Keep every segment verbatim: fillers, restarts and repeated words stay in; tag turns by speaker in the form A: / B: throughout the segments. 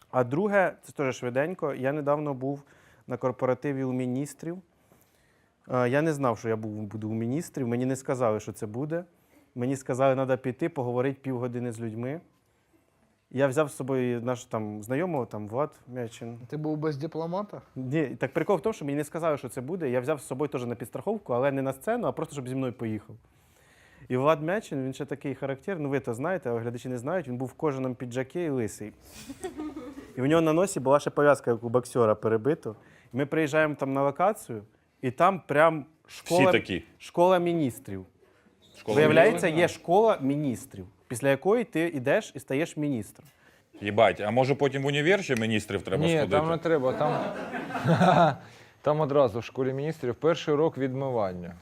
A: А друге, це теж швиденько, я недавно був на корпоративі у міністрів. Я не знав, що я буду у міністрів, мені не сказали, що це буде. Мені сказали, що треба піти, поговорити півгодини з людьми. Я взяв з собою наш там знайомого, там Влад Мячин.
B: Ти був без дипломата?
A: Ні, так прикол в тому, що мені не сказали, що це буде. Я взяв з собою теж на підстраховку, але не на сцену, а просто, щоб зі мною поїхав. І Влад Мячин, він ще такий характерний, ну ви то знаєте, а глядачі не знають, він був в кожаному піджакі і лисий. І в нього на носі була ще пов'язка, як у боксера, перебито. І ми приїжджаємо там на локацію, і там прям школа,
C: Всі такі.
A: школа міністрів.
C: Школа
A: Виявляється,
C: міністрів?
A: є школа міністрів, після якої ти йдеш і стаєш міністром.
C: Єбать, а може потім в універ ще міністрів треба
D: Ні,
C: сходити?
D: там не треба. Там, там одразу в школі міністрів перший урок відмивання.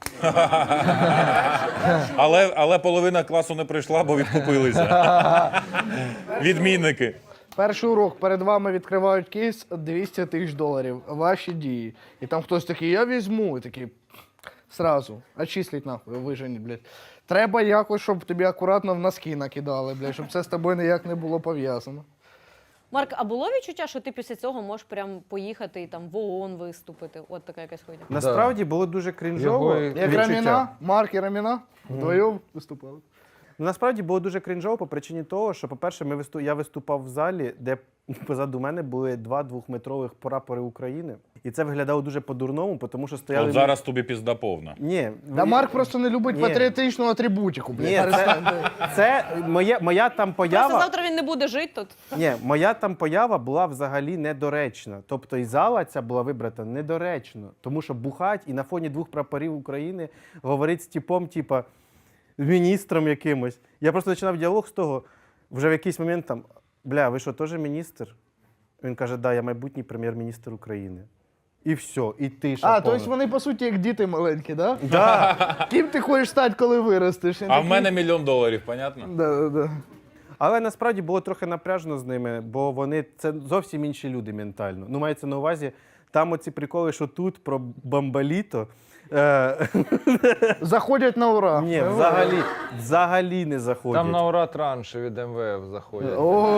C: Але, але половина класу не прийшла, бо відкупилися. Відмінники.
B: Перший урок, перед вами відкривають кейс двісті тисяч доларів, ваші дії. І там хтось такий, я візьму, і такий, сразу, очисліть нахуй, вижені, блядь. Треба якось, щоб тобі акуратно в носки накидали, блядь, щоб це з тобою ніяк не було пов'язано.
E: Марк, а було відчуття, що ти після цього можеш прям поїхати і там в ООН виступити? От така якась хуйня.
A: Насправді було дуже крінжово.
D: Його-
B: Як
A: відчуття.
B: Раміна, Марк і Раміна вдвоєм виступали.
A: Ну, насправді було дуже крінжово по причині того, що, по-перше, ми виступ... я виступав в залі, де позаду мене були два двохметрових прапори України. І це виглядало дуже по-дурному, тому що стояли...
C: От зараз тобі пізда повна.
A: Ні.
B: Да Марк просто не любить
A: Ні.
B: патріотичну атрибутику, блядь.
A: Ні,
B: перестань.
A: це, це моє, моя там
E: Просто
A: поява...
E: завтра він не буде жити тут.
A: Ні, моя там поява була взагалі недоречна. Тобто і зала ця була вибрана недоречно. Тому що бухать і на фоні двох прапорів України говорить з типом, типа, з міністром якимось. Я просто починав діалог з того, вже в якийсь момент там, бля, ви що, теж міністр? Він каже, да, я майбутній прем'єр-міністр України. І все, і тиша
B: А,
A: повна.
B: тобто вони, по суті, як діти маленькі, да?
A: Да.
B: Ким ти хочеш стати, коли виростеш?
C: А в мене мільйон доларів, понятно?
B: Да, да, да.
A: Але насправді було трохи напряжно з ними, бо вони це зовсім інші люди ментально. Ну, мається на увазі, там оці приколи, що тут про бамбаліто. Е...
B: Заходять на ура.
A: Ні, взагалі, взагалі не заходять.
D: Там на ура транші від ем ве еф заходять.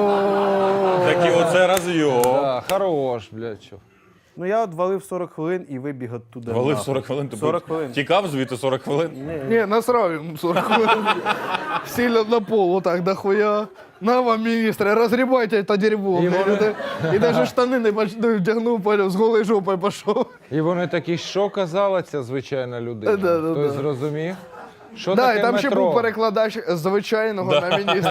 B: О,
C: Такі оце розйом.
D: Да, хорош, блядь, що.
A: Ну я от валив сорок хвилин і вибіг оттуда.
C: Валив
A: нахуй.
C: сорок хвилин, ти
A: сорок хвилин.
C: тікав звідти сорок хвилин?
B: ні, насрав йому сорок хвилин. Сильно на пол, отак, дохуя. На вам, міністре, розгрібайте це дерьмо.
D: І
B: блядь.
D: вони-
B: І навіть штани не поч- не вдягнув, поняв, з голою жопою пішов.
D: І вони такі, що казала ця звичайна людина?
B: Да, да,
D: Хтось
B: да.
D: зрозумів? Що
B: Да,
D: таке
B: і там ще
D: метро?
B: був перекладач з звичайного на міністра.